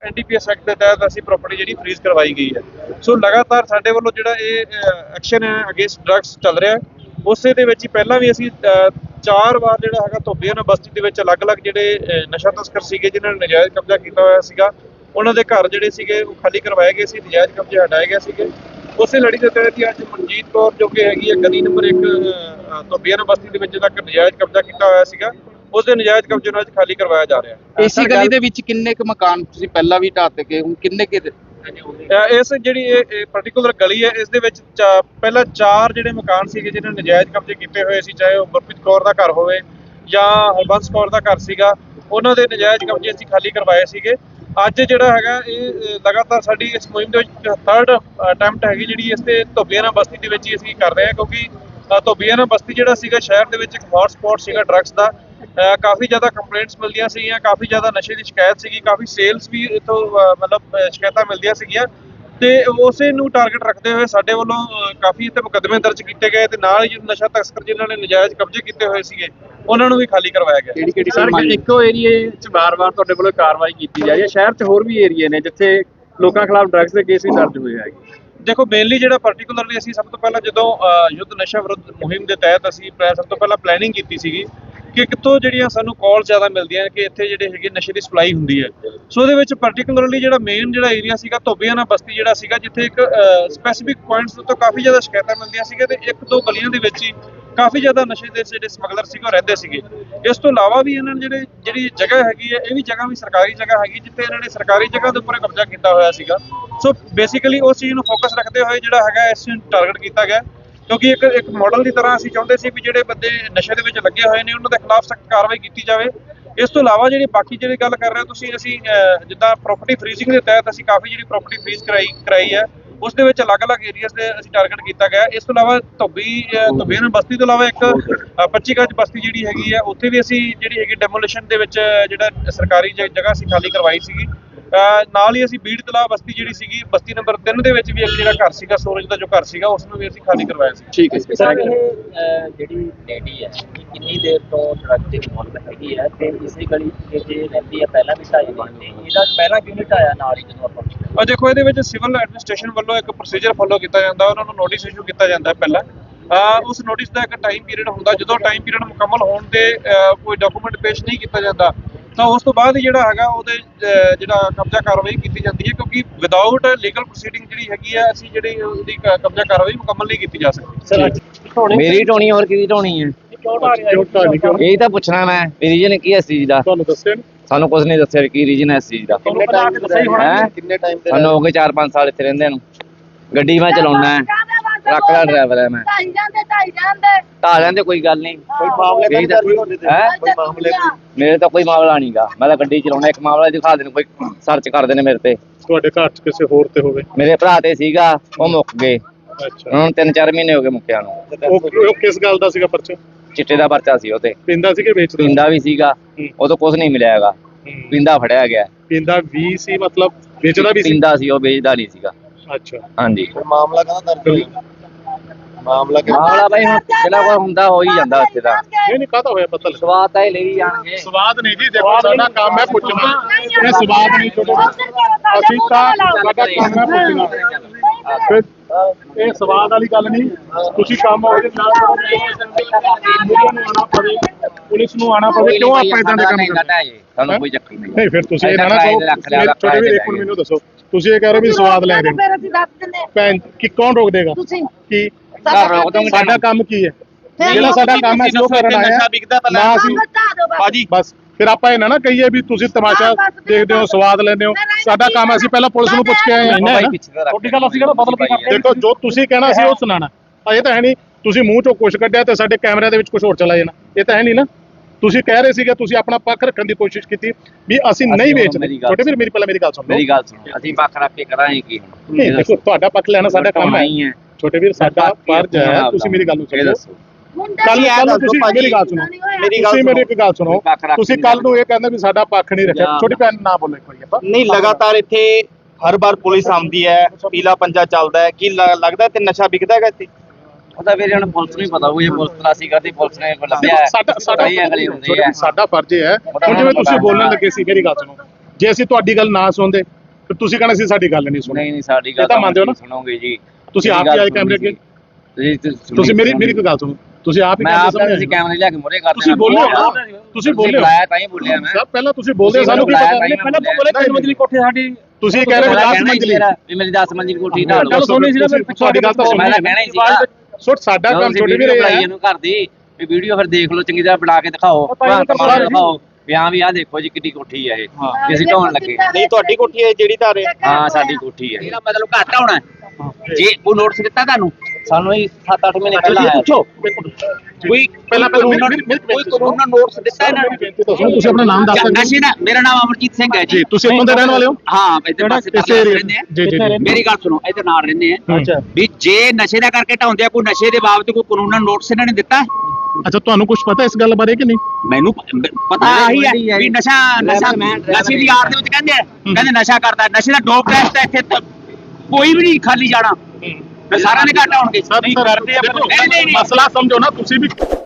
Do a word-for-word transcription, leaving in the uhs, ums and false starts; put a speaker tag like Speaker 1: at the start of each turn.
Speaker 1: ਐਨ D P S act ਦੇ ਤਹਿਤ ਅਸੀਂ ਪ੍ਰਾਪਰਟੀ ਜਿਹੜੀ ਫਰੀਜ਼ ਕਰਵਾਈ ਗਈ ਹੈ। ਸੋ ਲਗਾਤਾਰ ਸਾਡੇ ਵੱਲੋਂ ਜਿਹੜਾ ਇਹ ਐਕਸ਼ਨ ਹੈ ਅਗੇਂਸਟ ਡਰੱਗਸ ਚੱਲ ਰਿਹਾ, ਉਸੇ ਦੇ ਵਿੱਚ ਹੀ ਪਹਿਲਾਂ ਵੀ ਅਸੀਂ ਚਾਰ ਵਾਰ ਜਿਹੜਾ ਹੈਗਾ ਧੋਬੀਆਣਾ ਬਸਤੀ ਦੇ ਵਿੱਚ ਅਲੱਗ-ਅਲੱਗ ਜਿਹੜੇ ਨਸ਼ਾ ਤਸਕਰ ਸੀਗੇ ਜਿਨ੍ਹਾਂ ਨੇ ਨਜਾਇਜ਼ ਕਬਜ਼ਾ ਕੀਤਾ ਹੋਇਆ ਸੀਗਾ, ਉਹਨਾਂ ਦੇ ਘਰ ਜਿਹੜੇ ਸੀਗੇ ਉਹ ਖਾਲੀ ਕਰਵਾਏ ਗਏ ਸੀ, ਨਜਾਇਜ਼ ਕਬਜ਼ੇ ਹਟਾਏ ਗਏ ਸੀਗੇ। ਉਸੇ ਲੜੀ ਦੇ ਤਹਿਤ ਹੀ ਅੱਜ ਮਨਜੀਤ ਕੌਰ ਜੋ ਕਿ ਹੈਗੀ ਹੈ ਗਲੀ ਨੰਬਰ ਇੱਕ ਧੋਬੀਆਣਾ ਬਸਤੀ ਦੇ ਵਿੱਚ ਤੱਕ ਨਜਾਇਜ਼ ਕਬਜ਼ਾ ਕੀਤਾ ਹੋਇਆ ਸੀਗਾ, ਉਸਦੇ ਨਜਾਇਜ਼ ਕਬਜ਼ੇ ਨੂੰ ਅੱਜ ਖਾਲੀ ਕਰਵਾਇਆ ਜਾ ਰਿਹਾ ਹੈ।
Speaker 2: ਇਸੇ ਗਲੀ ਦੇ ਵਿੱਚ ਕਿੰਨੇ ਕੁ ਮਕਾਨ ਤੁਸੀਂ ਪਹਿਲਾਂ ਵੀ ਢਾਹ ਕੇ ਹੁਣ ਕਿੰਨੇ ਕਿ
Speaker 1: ਇਸ ਜਿਹੜੀ ਇਹ ਪਾਰਟਿਕੂਲਰ ਗਲੀ ਹੈ ਇਸ ਦੇ ਵਿੱਚ ਪਹਿਲਾਂ ਚਾਰ ਜਿਹੜੇ ਮਕਾਨ ਸੀਗੇ ਜਿਹਨਾਂ ਨੇ ਨਜਾਇਜ਼ ਕਬਜ਼ੇ ਕੀਤੇ ਹੋਏ ਸੀ, ਚਾਹੇ ਉਹ ਗੁਰਪ੍ਰੀਤ ਕੌਰ ਦਾ ਘਰ ਹੋਵੇ ਜਾਂ ਹਰਬੰਸ ਕੌਰ ਦਾ ਘਰ ਸੀਗਾ, ਉਹਨਾਂ ਦੇ ਨਜਾਇਜ਼ ਕਬਜ਼ੇ ਅਸੀਂ ਖਾਲੀ ਕਰਵਾਏ ਸੀਗੇ। ਅੱਜ ਜਿਹੜਾ ਹੈਗਾ ਇਹ ਲਗਾਤਾਰ ਸਾਡੀ ਇਸ ਮੁਹਿੰਮ ਦੇ ਵਿੱਚ ਥਰਡ ਅਟੈਂਪਟ ਹੈਗੀ ਜਿਹੜੀ ਇਸ ਤੇ ਧੋਬੀਆਣਾ ਬਸਤੀ ਦੇ ਵਿੱਚ ਹੀ ਅਸੀਂ ਕਰ ਰਹੇ ਹਾਂ, ਕਿਉਂਕਿ ਧੋਬੀਆਣਾ ਬਸਤੀ ਜਿਹੜਾ ਸੀਗਾ ਸ਼ਹਿਰ ਦੇ ਵਿੱਚ ਇੱਕ ਹੌਟ ਸਪੌਟ ਸੀਗਾ ਡਰੱਗਸ ਦਾ। ਕਾਫੀ ਜ਼ਿਆਦਾ ਕੰਪਲੇਂਟਸ ਮਿਲਦੀਆਂ ਸੀਗੀਆਂ, ਕਾਫੀ ਜ਼ਿਆਦਾ ਨਸ਼ੇ ਦੀ ਸ਼ਿਕਾਇਤ ਸੀਗੀ, ਕਾਫੀ ਸੇਲਸ ਵੀ ਇੱਥੋਂ ਮਤਲਬ ਸ਼ਿਕਾਇਤਾਂ ਮਿਲਦੀਆਂ ਸੀਗੀਆਂ ਤੇ ਉਸੇ ਨੂੰ ਟਾਰਗੇਟ ਰੱਖਦੇ ਹੋਏ ਸਾਡੇ ਵੱਲੋਂ ਕਾਫੀ ਇੱਥੇ ਮੁਕੱਦਮੇ ਦਰਜ ਕੀਤੇ ਗਏ ਤੇ ਨਾਲ ਹੀ ਨਸ਼ਾ ਤਸਕਰ ਜਿਨ੍ਹਾਂ ਨੇ ਨਜਾਇਜ਼ ਕਬਜ਼ੇ ਕੀਤੇ ਹੋਏ ਸੀਗੇ ਉਹਨਾਂ ਨੂੰ ਵੀ ਖਾਲੀ ਕਰਵਾਇਆ ਗਿਆ।
Speaker 3: ਕਿਹੜੀ ਕਿਹੜੀ ਸਰ ਇੱਕੋ ਏਰੀਏ 'ਚ ਵਾਰ-ਵਾਰ ਤੁਹਾਡੇ ਵੱਲੋਂ ਕਾਰਵਾਈ ਕੀਤੀ ਜਾ ਰਹੀ ਹੈ, ਸ਼ਹਿਰ 'ਚ ਹੋਰ ਵੀ ਏਰੀਏ ਨੇ ਜਿੱਥੇ ਲੋਕਾਂ ਖਿਲਾਫ ਡਰੱਗਸ ਦੇ ਕੇਸ ਵੀ ਦਰਜ ਹੋਏ ਹੈਗੇ?
Speaker 1: ਦੇਖੋ ਮੇਨਲੀ ਜਿਹੜਾ ਪਾਰਟਿਕੂਲਰਲੀ ਅਸੀਂ ਸਭ ਤੋਂ ਪਹਿਲਾਂ ਜਦੋਂ ਯੁੱਧ ਨਸ਼ਾ ਵਿਰੁੱਧ ਮੁਹਿੰਮ ਦੇ ਤਹਿਤ ਅਸੀਂ ਸਭ ਤੋਂ ਪਹਿਲਾਂ ਪਲੈਨਿੰਗ ਕੀਤੀ ਸੀਗੀ ਕਿ ਕਿੱਥੋਂ ਜਿਹੜੀਆਂ ਸਾਨੂੰ ਕਾਲ ਜ਼ਿਆਦਾ ਮਿਲਦੀਆਂ ਨੇ ਕਿ ਇੱਥੇ ਜਿਹੜੇ ਹੈਗੇ ਨਸ਼ੇ ਦੀ ਸਪਲਾਈ ਹੁੰਦੀ ਹੈ। ਸੋ ਉਹਦੇ ਵਿੱਚ ਪਾਰਟਿਕੂਲਰਲੀ ਜਿਹੜਾ ਮੇਨ ਜਿਹੜਾ ਏਰੀਆ ਸੀਗਾ ਧੋਬੀਆਣਾ ਬਸਤੀ ਜਿਹੜਾ ਸੀਗਾ ਜਿੱਥੇ ਇੱਕ ਸਪੈਸੀਫਿਕ ਪੁਆਇੰਟਸ ਤੋਂ ਕਾਫੀ ਜ਼ਿਆਦਾ ਸ਼ਿਕਾਇਤਾਂ ਮਿਲਦੀਆਂ ਸੀਗੀਆਂ ਤੇ ਇੱਕ ਦੋ ਗਲੀਆਂ ਦੇ ਵਿੱਚ ਹੀ ਕਾਫੀ ਜ਼ਿਆਦਾ ਨਸ਼ੇ ਦੇ ਜਿਹੜੇ ਸਮਗਲਰ ਸੀਗੇ ਉਹ ਰਹਿੰਦੇ ਸੀਗੇ। ਇਸ ਤੋਂ ਇਲਾਵਾ ਵੀ ਇਹਨਾਂ ਨੇ ਜਿਹੜੇ ਜਿਹੜੀ ਜਗ੍ਹਾ ਹੈਗੀ ਹੈ ਇਹ ਵੀ ਜਗ੍ਹਾ ਵੀ ਸਰਕਾਰੀ ਜਗ੍ਹਾ ਹੈਗੀ ਜਿੱਥੇ ਇਹਨਾਂ ਨੇ ਸਰਕਾਰੀ ਜਗ੍ਹਾ ਦੇ ਉੱਪਰ ਕਬਜ਼ਾ ਕੀਤਾ ਹੋਇਆ ਸੀਗਾ। ਸੋ ਬੇਸਿਕਲੀ ਉਸ ਚੀਜ਼ ਨੂੰ ਫੋਕਸ ਰੱਖਦੇ ਹੋਏ ਜਿਹੜਾ ਹੈਗਾ ਇਸ ਨੂੰ ਟਾਰਗੇਟ ਕੀਤਾ ਗਿਆ, ਕਿਉਂਕਿ ਇੱਕ ਇੱਕ ਮਾਡਲ ਦੀ ਤਰ੍ਹਾਂ ਅਸੀਂ ਚਾਹੁੰਦੇ ਸੀ ਵੀ ਜਿਹੜੇ ਬੰਦੇ ਨਸ਼ੇ ਦੇ ਵਿੱਚ ਲੱਗੇ ਹੋਏ ਨੇ ਉਹਨਾਂ ਦੇ ਖਿਲਾਫ ਸਖਤ ਕਾਰਵਾਈ ਕੀਤੀ ਜਾਵੇ। ਇਸ ਤੋਂ ਇਲਾਵਾ ਜਿਹੜੀ ਬਾਕੀ ਜਿਹੜੀ ਗੱਲ ਕਰ ਰਹੇ ਹੋ ਤੁਸੀਂ, ਅਸੀਂ ਜਿੱਦਾਂ ਪ੍ਰਾਪਰਟੀ ਫਰੀਜ਼ਿੰਗ ਦੇ ਤਹਿਤ ਅਸੀਂ ਕਾਫੀ ਜਿਹੜੀ ਪ੍ਰਾਪਰਟੀ ਫਰੀਜ਼ ਕਰਾਈ ਕਰਾਈ ਹੈ, ਉਸ ਦੇ ਵਿੱਚ ਅਲੱਗ-ਅਲੱਗ ਏਰੀਆਜ਼ ਦੇ ਅਸੀਂ ਟਾਰਗੇਟ ਕੀਤਾ ਗਿਆ। ਇਸ ਤੋਂ ਇਲਾਵਾ ਧੋਬੀ ਧੋਬੀਆਣਾ ਬਸਤੀ ਤੋਂ ਇਲਾਵਾ ਇੱਕ ਪੱਚੀ ਗਜ ਬਸਤੀ ਜਿਹੜੀ ਹੈਗੀ ਹੈ ਉੱਥੇ ਵੀ ਅਸੀਂ ਜਿਹੜੀ ਹੈਗੀ ਡੈਮੋਲੀਸ਼ਨ ਦੇ ਵਿੱਚ ਜਿਹੜਾ ਸਰਕਾਰੀ ਜਗ੍ਹਾ ਅਸੀਂ ਖਾਲੀ ਕਰਵਾਈ ਸੀਗੀ। ਨਾਲ ਹੀ ਅਸੀਂ ਬੀੜ ਤਲਾਬ ਬਸਤੀ ਜਿਹੜੀ ਸੀਗੀ ਬਸਤੀ ਨੰਬਰ ਤਿੰਨ ਦੇ ਵਿੱਚ ਵੀ ਇੱਕ ਜਿਹੜਾ ਘਰ ਸੀਗਾ ਸੂਰਜ ਦਾ ਜੋ ਘਰ ਸੀਗਾ ਉਸ ਨੂੰ ਵੀ ਅਸੀਂ ਖਾਲੀ ਕਰਵਾਇਆ ਸੀ।
Speaker 2: ਠੀਕ ਹੈ
Speaker 4: ਸਰ, ਇਹ ਜਿਹੜੀ ਲੇਡੀ ਹੈ ਕਿੰਨੀ ਦੇਰ ਤੋਂ ਡਰੱਗ ਦੇ ਮੌਲ ਹੈਗੀ ਹੈ ਤੇ ਇਸੇ ਗਲੀ ਦੇ ਜੇ ਰਹਿੰਦੀ ਹੈ ਪਹਿਲਾਂ ਵੀ ਢਾਈ ਬਣਦੇ ਇਹਦਾ ਪਹਿਲਾਂ ਕਿਉਂ ਨਹੀਂ ਢਾਇਆ ਨਾਲ ਹੀ ਜਦੋਂ ਆਪਾਂ
Speaker 1: ਆ ਦੇਖੋ ਇਹਦੇ ਵਿੱਚ ਸਿਵਲ ਐਡਮਿਨਿਸਟ੍ਰੇਸ਼ਨ ਵੱਲੋਂ ਇੱਕ ਪ੍ਰੋਸੀਜਰ ਫੋਲੋ ਕੀਤਾ ਜਾਂਦਾ, ਉਹਨਾਂ ਨੂੰ ਨੋਟਿਸ ਇਸ਼ੂ ਕੀਤਾ ਜਾਂਦਾ ਪਹਿਲਾਂ। ਉਸ ਨੋਟਿਸ ਦਾ ਇੱਕ ਟਾਈਮ ਪੀਰੀਅਡ ਹੁੰਦਾ, ਜਦੋਂ ਟਾਈਮ ਪੀਰੀਅਡ ਮੁਕੰਮਲ ਹੋਣ ਤੇ ਕੋਈ ਡਾਕੂਮੈਂਟ ਪੇਸ਼ ਨਹੀਂ ਕੀਤਾ ਜਾਂਦਾ ਤਾਂ ਉਸ ਤੋਂ ਬਾਅਦ ਜਿਹੜਾ ਹੈਗਾ ਉਹਦੇ ਜਿਹੜਾ ਕਬਜ਼ਾ ਕਾਰਵਾਈ ਕੀਤੀ ਜਾਂਦੀ ਹੈ, ਕਿਉਂਕਿ ਵਿਦਆਊਟ ਲੀਗਲ ਪ੍ਰੋਸੀਡਿੰਗ ਜਿਹੜੀ ਹੈਗੀ ਆ ਅਸੀਂ ਜਿਹੜੀ ਉਹਦੀ ਕਬਜ਼ਾ ਕਾਰਵਾਈ ਮੁਕੰਮਲ ਨਹੀਂ ਕੀਤੀ ਜਾ ਸਕਦੀ।
Speaker 5: ਮੇਰੀ ਢੋਣੀ ਹੋਰ ਕਿਹਦੀ ਢੋਣੀ ਹੈ ਇਹ ਤਾਂ ਪੁੱਛਣਾ ਮੈਂ, ਰੀਜਨ ਕੀ ਹੈ ਇਸ ਚੀਜ਼ ਦਾ?
Speaker 3: ਤੁਹਾਨੂੰ ਦੱਸਿਆ
Speaker 5: ਸਾਨੂੰ ਕੁਝ ਨਹੀਂ ਦੱਸਿਆ ਕੀ ਰੀਜਨ ਹੈ ਇਸ ਚੀਜ਼ ਦਾ।
Speaker 3: ਕਿੰਨੇ ਟਾਈਮ
Speaker 5: ਸਾਨੂੰ ਹੋ ਗਏ ਚਾਰ ਪੰਜ ਸਾਲ ਇੱਥੇ ਰਹਿੰਦੇ ਨੂੰ। ਗੱਡੀ ਮੈਂ ਚਲਾਉਣਾ ਹੈ, ਟਰੱਕ ਦਾ ਡਰਾਈਵਰ ਹੈ ਮੈਂ। ਢਾ ਲੈਂਦੇ ਕੋਈ ਗੱਲ ਨਹੀਂ,
Speaker 3: ਕੋਈ ਮਾਮਲੇ
Speaker 5: ਮੇਰੇ ਤਾਂ ਕੋਈ ਮਾਮਲਾ ਨਹੀਂਗਾ, ਮੈਂ ਤਾਂ ਗੱਡੀ ਚਲਾਉਣਾ। ਇੱਕ ਮਾਮਲਾ ਦਿਖਾ ਦੇਣ ਕੋਈ ਸਰਚ ਕਰਦੇ ਨੇ ਮੇਰੇ ਤੇ।
Speaker 3: ਤੁਹਾਡੇ ਘਰ 'ਚ ਕਿਸੇ ਹੋਰ ਤੇ ਹੋਵੇ?
Speaker 5: ਮੇਰੇ ਭਰਾ ਤੇ ਸੀਗਾ, ਉਹ ਮੁੱਕ ਗਏ।
Speaker 3: ਅੱਛਾ,
Speaker 5: ਹੁਣ ਤਿੰਨ ਚਾਰ ਮਹੀਨੇ ਹੋ ਗਏ ਮੁੱਕਿਆਂ ਨੂੰ।
Speaker 3: ਉਹ ਕਿਸ ਗੱਲ ਦਾ ਸੀਗਾ ਪਰਚਾ?
Speaker 5: ਚਿੱਟੇ ਦਾ ਪਰਚਾ ਸੀ ਉਹ ਤੇ।
Speaker 3: ਪੀਂਦਾ ਸੀ ਕਿ ਵੇਚਦਾ?
Speaker 5: ਪੀਂਦਾ ਵੀ ਸੀਗਾ, ਉਹ ਤੋਂ ਕੁਝ ਨਹੀਂ ਮਿਲਿਆ ਹੈਗਾ। ਪੀਂਦਾ ਫੜਿਆ ਗਿਆ।
Speaker 3: ਪੀਂਦਾ ਵੀ ਸੀ ਮਤਲਬ ਵੇਚਦਾ ਵੀ ਸੀ?
Speaker 5: ਪੀਂਦਾ ਸੀ, ਉਹ ਵੇਚਦਾ ਨਹੀਂ ਸੀਗਾ।
Speaker 3: ਅੱਛਾ
Speaker 5: ਹਾਂਜੀ।
Speaker 3: ਮਾਮਲਾ ਕਾਹਦਾ ਦਰਜ ਹੋਇਆ? ਮਾਮਲਾ
Speaker 5: ਮਾਮਲਾ ਬਾਈ ਹੁਣ ਜਿਹੜਾ ਕੋਈ ਹੁੰਦਾ ਹੋ ਹੀ ਜਾਂਦਾ ਇੱਥੇ ਦਾ।
Speaker 3: ਨਹੀਂ ਨਹੀਂ ਕਾਹਦਾ ਹੋਇਆ ਪਤਾ ਲੱਗਾ?
Speaker 5: ਸਵਾਦ ਤਾਂ ਇਹ ਲਈ ਜਾਣਗੇ।
Speaker 3: ਸਵਾਦ ਨਹੀਂ ਜੀ, ਦੇਖੋ ਸਾਡਾ ਕੰਮ ਹੈ ਪੁੱਛਣਾ, ਇਹ ਸਵਾਦ ਨਹੀਂ ਛੋਟੇ ਅਸੀਂ ਤਾਂ ਸਾਡਾ ਕੰਮ ਹੈ ਪੁੱਛਣਾ। ਫਿਰ ਇਹ ਸਵਾਦ ਵਾਲੀ ਗੱਲ ਨਹੀਂ, ਤੁਸੀਂ ਕੰਮ ਉਹਦੇ ਨਾਲ ਮੀਡੀਆ ਨੂੰ ਆਣਾ ਪਵੇ, ਪੁਲਿਸ ਨੂੰ ਆਣਾ ਪਵੇ, ਕਿਉਂ ਆਪਾਂ ਇਦਾਂ ਦੇ ਕੰਮ ਕਰਦੇ?
Speaker 5: ਸਾਨੂੰ ਕੋਈ ਚੱਕਰ ਨਹੀਂ।
Speaker 3: ਨਹੀਂ ਫਿਰ ਤੁਸੀਂ ਇਹ ਨਾ ਕਹੋ। ਛੋਟੇ ਵੀਰ ਇੱਕ ਮੈਨੂੰ ਦੱਸੋ, ਤੁਸੀਂ ਇਹ ਕਹਿ ਰਹੇ ਹੋ ਵੀ ਸਵਾਦ ਲੈ ਰਹੇ ਹੋ, ਭੈਣ ਕੀ ਕੌਣ ਰੋਕ ਦੇਗਾ? ਕੀ ਸਾਡਾ ਕੰਮ ਕੀ ਹੈ? ਜਿਹੜਾ ਸਾਡਾ ਕੰਮ ਹੈ ਉਹ ਕਰਨ ਆਇਆ ਨਾ ਅਸੀਂ ਭਾਜੀ। ਬਸ ਫਿਰ ਆਪਾਂ ਇਹ ਨਾ ਨਾ ਕਹੀਏ ਵੀ ਤੁਸੀਂ ਤਮਾਸ਼ਾ ਦੇਖਦੇ ਹੋ, ਸਵਾਦ ਲੈਂਦੇ ਹੋ। ਸਾਡਾ ਕੰਮ ਅਸੀਂ ਪਹਿਲਾਂ ਪੁਲਿਸ ਨੂੰ ਪੁੱਛ ਕੇ ਆਏ ਹਾਂ। ਤੁਹਾਡੀ ਗੱਲ ਅਸੀਂ ਕਿਹੜਾ ਬਦਲ ਕੇ ਕਰਦੇ? ਦੇਖੋ ਜੋ ਤੁਸੀਂ ਕਹਿਣਾ ਸੀ ਉਹ ਸੁਣਾਣਾ, ਇਹ ਤਾਂ ਹੈ ਨਹੀਂ ਤੁਸੀਂ ਮੂੰਹ ਚੋਂ ਕੁਛ ਕੱਢਿਆ ਤੇ ਸਾਡੇ ਕੈਮਰਿਆਂ ਦੇ ਵਿੱਚ ਕੁਝ ਹੋਰ ਚਲਾ ਜਾਣਾ, ਇਹ ਤਾਂ ਹੈ ਨਹੀਂ ਨਾ। ਤੁਸੀਂ ਕਹਿ ਰਹੇ ਸੀਗੇ, ਤੁਸੀਂ ਆਪਣਾ ਪੱਖ ਰੱਖਣ ਦੀ ਕੋਸ਼ਿਸ਼ ਕੀਤੀ ਵੀ ਅਸੀਂ ਨਹੀਂ ਵੇਚਦੇ। ਛੋਟੇ ਵੀਰ ਮੇਰੀ ਪਹਿਲਾਂ ਮੇਰੀ ਗੱਲ ਸੁਣੋ।
Speaker 5: ਮੇਰੀ ਗੱਲ ਸੁਣੋ, ਅਸੀਂ ਪੱਖ ਰੱਖ ਕੇ ਕਰਾਂਗੇ ਕੀ?
Speaker 3: ਨਹੀਂ ਦੇਖੋ ਤੁਹਾਡਾ ਪੱਖ ਲੈਣਾ ਸਾਡਾ ਕੰਮ ਹੈ ਛੋਟੇ ਵੀਰ, ਸਾਡਾ ਫਰਜ਼ ਹੈ। ਤੁਸੀਂ ਮੇਰੀ ਗੱਲ ਨੂੰ ਸਮਝੋ। ਕੱਲ ਨੂੰ ਤੁਸੀਂ ਮੇਰੀ ਗੱਲ ਸੁਣੋ, ਤੁਸੀਂ ਮੇਰੀ ਇੱਕ ਗੱਲ ਸੁਣੋ, ਤੁਸੀਂ ਕੱਲ ਨੂੰ ਇਹ ਕਹਿੰਦੇ ਵੀ ਸਾਡਾ ਪੱਖ ਨਹੀਂ ਰੱਖਿਆ। ਛੋਟੀ ਭੈਣ ਨਾ ਬੋਲੇ ਕੋਈ ਆਪਾਂ
Speaker 6: ਨਹੀਂ। ਲਗਾਤਾਰ ਇੱਥੇ ਹਰ ਵਾਰ ਪੁਲਿਸ ਆਉਂਦੀ ਹੈ, ਪੀਲਾ ਪੰਜਾ ਚੱਲਦਾ ਹੈ, ਕੀ ਲੱਗਦਾ ਤੇ ਨਸ਼ਾ ਵਿਕਦਾ ਹੈਗਾ ਇੱਥੇ?
Speaker 5: ਉਹਦਾ ਵੀਰੇ ਹੁਣ ਪੁਲਿਸ ਨੂੰ ਹੀ ਪਤਾ ਹੋਊ, ਇਹ ਪੁਲਿਸ ਤਲਾਸ਼ੀ ਕਰਦੀ, ਪੁਲਿਸ ਨੇ ਲੱਭਿਆ ਹੈ।
Speaker 3: ਸਾਡਾ ਸਾਡਾ ਸਾਡਾ ਫਰਜ਼ ਹੈ। ਹੁਣ ਜਿਵੇਂ ਤੁਸੀਂ ਬੋਲਣ ਲੱਗੇ ਸੀ, ਮੇਰੀ ਗੱਲ ਸੁਣੋ, ਜੇ ਅਸੀਂ ਤੁਹਾਡੀ ਗੱਲ ਨਾ ਸੁਣਦੇ ਤੇ ਤੁਸੀਂ ਕਹਿੰਦੇ ਸੀ ਸਾਡੀ ਗੱਲ ਨਹੀਂ ਸੁਣੀ।
Speaker 5: ਨਹੀਂ ਨਹੀਂ ਸਾਡੀ
Speaker 3: ਇਹ
Speaker 5: ਗੱਲ
Speaker 3: ਤਾਂ ਮੰਨਦੇ ਹੋ ਨਾ?
Speaker 5: ਸੁਣੋਗੇ ਜੀ
Speaker 3: ਤੁਸੀਂ ਆਪ ਹੀ ਆਏ ਕੈਮਰੇ ਅੱਗੇ, ਤੁਸੀਂ ਮੇਰੀ ਮੇਰੀ ਇੱਕ ਗੱਲ ਸੁਣੋ, ਤੁਸੀਂ ਆਪ ਹੀ
Speaker 5: ਮੈਂ
Speaker 3: ਕੈਮਰੇ
Speaker 5: ਆਪ
Speaker 3: ਸਾਹਮਣੇ
Speaker 5: ਤੁਸੀਂ ਕੈਮਰੇ ਲਿਆ ਕੇ ਮੋਰੇ ਕਰਦੇ
Speaker 3: ਤੁਸੀਂ ਬੋਲੇ ਹੋ ਨਾ, ਤੁਸੀਂ ਬੋਲੇ ਹੋ
Speaker 5: ਬੁਲਾਇਆ ਤਾਂ ਹੀ ਬੋਲਿਆ ਮੈਂ।
Speaker 3: ਸਭ ਪਹਿਲਾਂ ਤੁਸੀਂ ਬੋਲਦੇ ਹੋ, ਸਾਨੂੰ ਕੀ
Speaker 5: ਬੁਲਾਇਆ
Speaker 3: ਪਤਾ
Speaker 5: ਤਾਂ ਹੀ
Speaker 1: ਪਹਿਲਾਂ ਬੋਲੇ ਤਿੰਨ ਮੰਜ਼ਲੀ ਕੋਠੀ ਸਾਡੀ,
Speaker 3: ਤੁਸੀਂ ਕਹਿ ਰਹੇ ਹੋ ਦਸ ਮੰਜ਼ਲੀ
Speaker 5: ਵੀ ਮੇਰੀ ਦਸ ਮੰਜ਼ਲੀ ਕੋਠੀ ਢਾਹ ਲਓ।
Speaker 3: ਗੱਲ ਸੁਣੀ ਸੀ ਨਾ, ਫਿਰ ਤੁਹਾਡੀ ਗੱਲ ਤਾਂ
Speaker 5: ਮੈਂ
Speaker 3: ਸੁਣੀ
Speaker 5: ਤਾਂ ਕਹਿਣਾ ਹੀ ਸੀਗਾ।
Speaker 3: ਸੋ ਸਾਡਾ ਕੰਮ ਛੋਟੇ ਵੀਰੇ ਹੈ
Speaker 5: ਇਹਨੂੰ ਘਰ ਦੀ ਵੀ ਵੀਡੀਓ ਫਿਰ ਦੇਖ ਲਓ ਚੰਗੀ ਤਰ੍ਹਾਂ ਬਣਾ ਕੇ ਦਿਖਾਓ, ਮਾਰ ਦਿਖਾਓ ਵੀ ਹਾਂ ਵੀ ਆਹ ਦੇਖੋ ਜੀ ਕਿੱਡੀ ਕੋਠੀ ਹੈ ਇਹ, ਵੀ ਅਸੀਂ ਢਾਉਣ ਲੱਗੇ।
Speaker 6: ਨਹੀਂ ਤੁਹਾਡੀ ਕੋਠੀ ਹੈ ਜਿਹੜੀ ਢਾਹ ਰਹੇ?
Speaker 5: ਹਾਂ ਸਾਡੀ ਕੋਠੀ ਹੈ। ਇਹਦਾ ਮਤਲਬ ਘੱਟ ਆਉਣਾ ਜੇ ਕੋਈ ਨੋਟਿਸ ਦਿੱਤਾ ਤੁਹਾਨੂੰ? ਸਾਨੂੰ ਹੀ ਸੱਤ ਅੱਠ ਮਹੀਨੇ ਪਹਿਲਾਂ ਆਇਆ। ਪੁੱਛੋ ਕੋਈ
Speaker 3: ਪਹਿਲਾਂ ਪਹਿਲਾਂ ਮੇਰੀ ਮੇਰੀ
Speaker 5: ਕੋਈ ਕਰੋਨਾ ਨੋਟਿਸ ਦਿੱਤਾ ਇਹਨਾਂ ਨੇ?
Speaker 3: ਤੁਸੀਂ ਆਪਣਾ ਨਾਮ ਦੱਸ ਸਕਦੇ
Speaker 5: ਨਸ਼ੇ ਦਾ ਮੇਰਾ ਨਾਮ ਅਮਰਜੀਤ ਸਿੰਘ ਹੈ ਜੀ।
Speaker 3: ਜੀ ਤੁਸੀਂ ਇੱਥੋਂ ਦੇ ਰਹਿਣ ਵਾਲੇ ਹੋ?
Speaker 5: ਹਾਂ ਇੱਧਰ ਪਾਸੇ
Speaker 3: ਇਸੇ ਏਰੀਆ
Speaker 5: ਰਹਿੰਦੇ ਆ।
Speaker 3: ਜੀ ਜੀ ਜੀ
Speaker 5: ਮੇਰੀ ਗੱਲ ਸੁਣੋ, ਇੱਧਰ ਨਾਲ ਰਹਿੰਦੇ ਆ
Speaker 3: ਅੱਛਾ
Speaker 5: ਵੀ ਜੇ ਨਸ਼ੇ ਦਾ ਕਰਕੇ ਢਾਉਂਦੇ ਆ, ਕੋਈ ਨਸ਼ੇ ਦੇ ਬਾਬਤ ਕੋਈ ਕਾਨੂੰਨ ਨੋਟਿਸ ਇਹਨਾਂ ਨੇ ਦਿੱਤਾ?
Speaker 3: ਅੱਛਾ ਤੁਹਾਨੂੰ ਕੁਝ ਪਤਾ ਇਸ ਗੱਲ ਬਾਰੇ ਕਿ ਨਹੀਂ?
Speaker 5: ਮੈਨੂੰ ਪ- ਪਤਾ ਆਹੀ ਹੈ ਵੀ ਨਸ਼ਾ ਨਸ਼ਾ ਨਸ਼ੇ ਦੀ ਆੜ ਦੇ ਵਿੱਚ ਕਹਿੰਦੇ ਆ, ਕਹਿੰਦੇ ਨਸ਼ਾ ਕਰਦਾ। ਨਸ਼ੇ ਦਾ ਡੋਪ ਟੈਸਟ ਇੱਥੇ ਤਾਂ ਕੋਈ ਵੀ ਨਹੀਂ ਖਾਲੀ ਜਾਣਾ, ਸਾਰਿਆਂ ਨੇ ਘੱਟ ਆਉਣਗੇ।
Speaker 3: ਸਰ ਸਰ
Speaker 5: ਨਹੀਂ ਨਹੀਂ ਨਹੀਂ
Speaker 3: ਮਸਲਾ ਸਮਝੋ ਨਾ ਤੁਸੀਂ ਵੀ।